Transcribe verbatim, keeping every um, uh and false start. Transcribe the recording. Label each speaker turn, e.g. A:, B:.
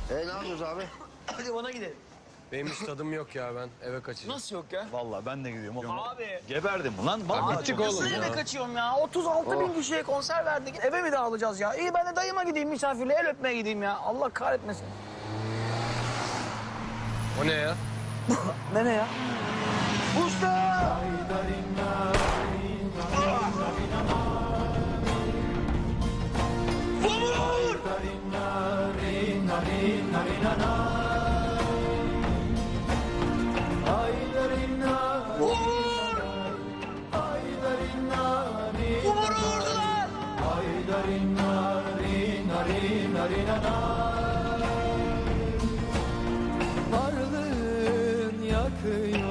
A: E ne yapıyoruz abi?
B: Hadi ona gidelim.
C: Benim hiç tadım yok ya, ben eve kaçacağım.
B: Nasıl yok ya?
D: Vallahi ben de gidiyorum.
B: Abi.
D: Geberdim lan. Vallahi
C: bittik
D: çok-
C: oğlum
B: Nasıl eve
C: ya.
B: kaçıyorum ya? otuz altı bin kişiye konser verdik. Eve mi dağılacağız ya? İyi ben de dayıma gideyim misafirle el öpmeye gideyim ya. Allah kahretmesin.
C: O ne ya?
B: Ne ne ya? Usta! Vur! Vur! Vur vurdular!
E: Varlığın yakıyor